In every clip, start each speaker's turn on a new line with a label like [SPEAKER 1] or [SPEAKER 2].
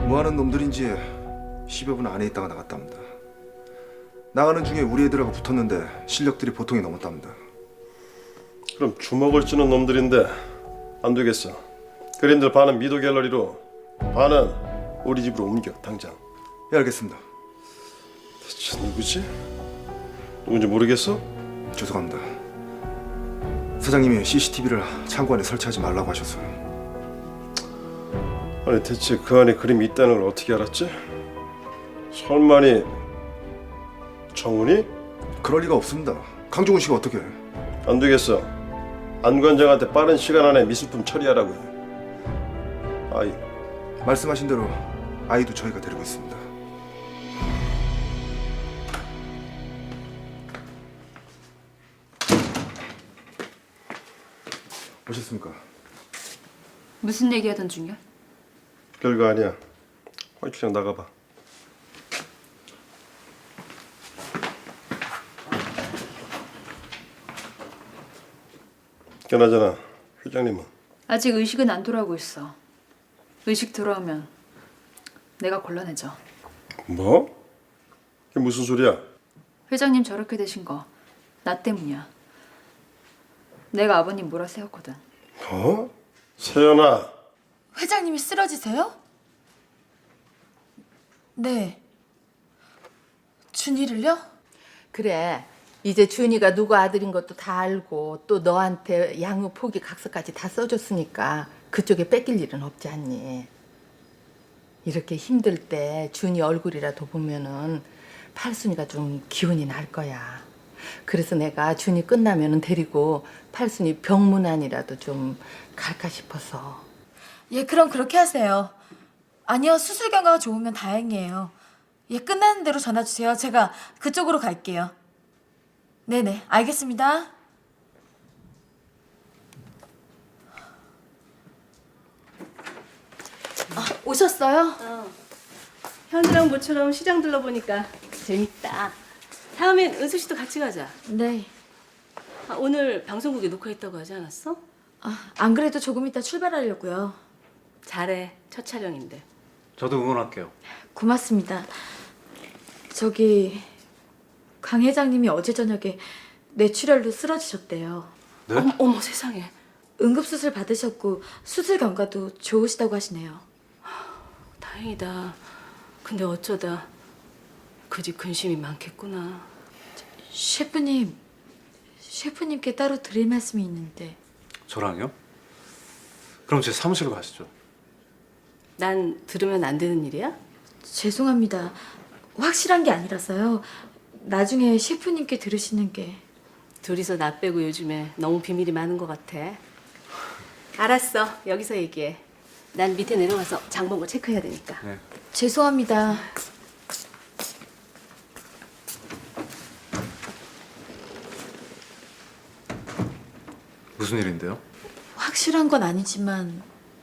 [SPEAKER 1] 뭐하는 놈들인지 10여 분 안에 있다가 나갔답니다. 나가는 중에 우리 애들하고 붙었는데 실력들이 보통이 넘었답니다.
[SPEAKER 2] 그럼 주먹을 쥐는 놈들인데 안 되겠어. 그림들 반은 미도 갤러리로, 반은 우리 집으로 옮겨 당장.
[SPEAKER 1] 예, 알겠습니다.
[SPEAKER 2] 대체 누구지? 누군지 모르겠어?
[SPEAKER 1] 죄송합니다. 사장님이 CCTV를 창고 안에 설치하지 말라고 하셔서요.
[SPEAKER 2] 아니 대체 그 안에 그림이 있다는 걸 어떻게 알았지? 설마니 정훈이?
[SPEAKER 1] 그럴 리가 없습니다. 강종훈 씨가 어떻게?
[SPEAKER 2] 안 되겠어. 안 관장한테 빠른 시간 안에 미술품 처리하라고요. 아이,
[SPEAKER 1] 말씀하신 대로 아이도 저희가 데리고 있습니다. 오셨습니까?
[SPEAKER 3] 무슨 얘기하던 중이야?
[SPEAKER 2] 별거 아니야. 화이트장 나가봐. 그나저나 회장님은?
[SPEAKER 3] 아직 의식은 안 돌아오고 있어. 의식 돌아오면 내가 곤란해져.
[SPEAKER 2] 뭐? 그게 무슨 소리야?
[SPEAKER 3] 회장님 저렇게 되신 거 나 때문이야. 내가 아버님 몰아세웠거든.
[SPEAKER 2] 뭐? 세연아.
[SPEAKER 4] 회장님이 쓰러지세요? 네. 준이를요?
[SPEAKER 5] 그래. 이제 준이가 누구 아들인 것도 다 알고 또 너한테 양육 포기 각서까지 다 써줬으니까 그쪽에 뺏길 일은 없지 않니? 이렇게 힘들 때 준이 얼굴이라도 보면은 팔순이가 좀 기운이 날 거야. 그래서 내가 준이 끝나면은 데리고 팔순이 병문안이라도 좀 갈까 싶어서.
[SPEAKER 4] 예, 그럼 그렇게 하세요. 아니요, 수술 결과가 좋으면 다행이에요. 예, 끝나는 대로 전화 주세요. 제가 그쪽으로 갈게요. 네네, 알겠습니다. 오셨어요?
[SPEAKER 6] 현이랑 모처럼 시장 둘러보니까 재밌다. 다음엔 은수 씨도 같이 가자.
[SPEAKER 4] 네.
[SPEAKER 6] 오늘 방송국에 녹화했다고 하지 않았어?
[SPEAKER 4] 안 그래도 조금 이따 출발하려고요.
[SPEAKER 6] 잘해. 첫 촬영인데.
[SPEAKER 7] 저도 응원할게요.
[SPEAKER 4] 고맙습니다. 저기 강 회장님이 어제 저녁에 뇌출혈로 쓰러지셨대요.
[SPEAKER 7] 네?
[SPEAKER 6] 어머 세상에.
[SPEAKER 4] 응급수술 받으셨고 수술 경과도 좋으시다고 하시네요.
[SPEAKER 6] 다행이다. 근데 어쩌다 그 집 근심이 많겠구나.
[SPEAKER 4] 셰프님께 따로 드릴 말씀이 있는데.
[SPEAKER 7] 저랑요? 그럼 제 사무실로 가시죠.
[SPEAKER 6] 난 들으면 안 되는 일이야?
[SPEAKER 4] 죄송합니다. 확실한 게 아니라서요. 나중에 셰프님께 들으시는 게.
[SPEAKER 6] 둘이서 나 빼고 요즘에 너무 비밀이 많은 것 같아. 알았어. 여기서 얘기해. 난 밑에 내려가서 장 본 거 체크해야 되니까.
[SPEAKER 7] 네.
[SPEAKER 4] 죄송합니다.
[SPEAKER 7] 무슨 일인데요?
[SPEAKER 4] 확실한 건 아니지만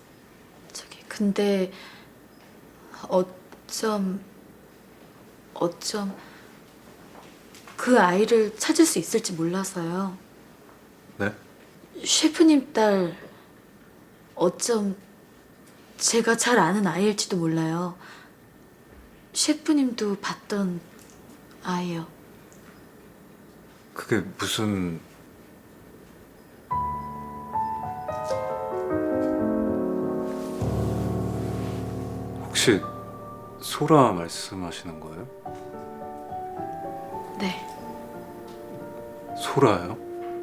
[SPEAKER 4] 근데 어쩜 그 아이를 찾을 수 있을지 몰라서요.
[SPEAKER 7] 네?
[SPEAKER 4] 셰프님 딸 어쩜 제가 잘 아는 아이일지도 몰라요. 셰프님도 봤던 아이요.
[SPEAKER 7] 그게 무슨... 혹시 소라 말씀하시는 거예요?
[SPEAKER 4] 네.
[SPEAKER 7] 소라요?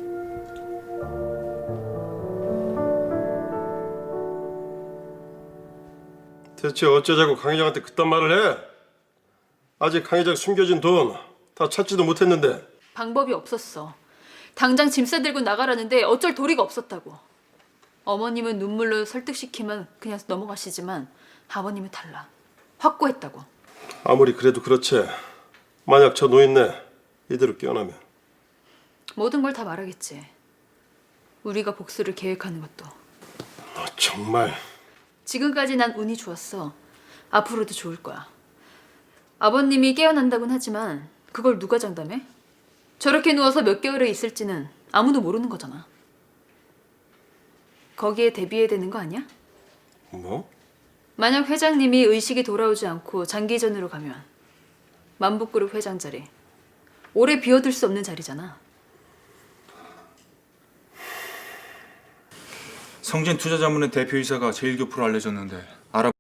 [SPEAKER 2] 대체 어쩌자고 강 회장한테 그딴 말을 해? 아직 강 회장 숨겨진 돈 다 찾지도 못했는데.
[SPEAKER 3] 방법이 없었어. 당장 짐 싸들고 나가라는데 어쩔 도리가 없었다고. 어머님은 눈물로 설득시키면 그냥 넘어가시지만 아버님은 달라. 확고했다고.
[SPEAKER 2] 아무리 그래도 그렇지. 만약 저 노인네 이대로 깨어나면.
[SPEAKER 3] 모든 걸 다 말하겠지. 우리가 복수를 계획하는 것도.
[SPEAKER 2] 너 정말.
[SPEAKER 3] 지금까지 난 운이 좋았어. 앞으로도 좋을 거야. 아버님이 깨어난다곤 하지만 그걸 누가 장담해? 저렇게 누워서 몇 개월을 있을지는 아무도 모르는 거잖아. 거기에 대비해야 되는 거 아니야?
[SPEAKER 2] 뭐?
[SPEAKER 3] 만약 회장님이 의식이 돌아오지 않고 장기전으로 가면 만복그룹 회장 자리 오래 비워둘 수 없는 자리잖아.
[SPEAKER 8] 성진 투자자문의 대표이사가 제1교포로 알려졌는데 알아.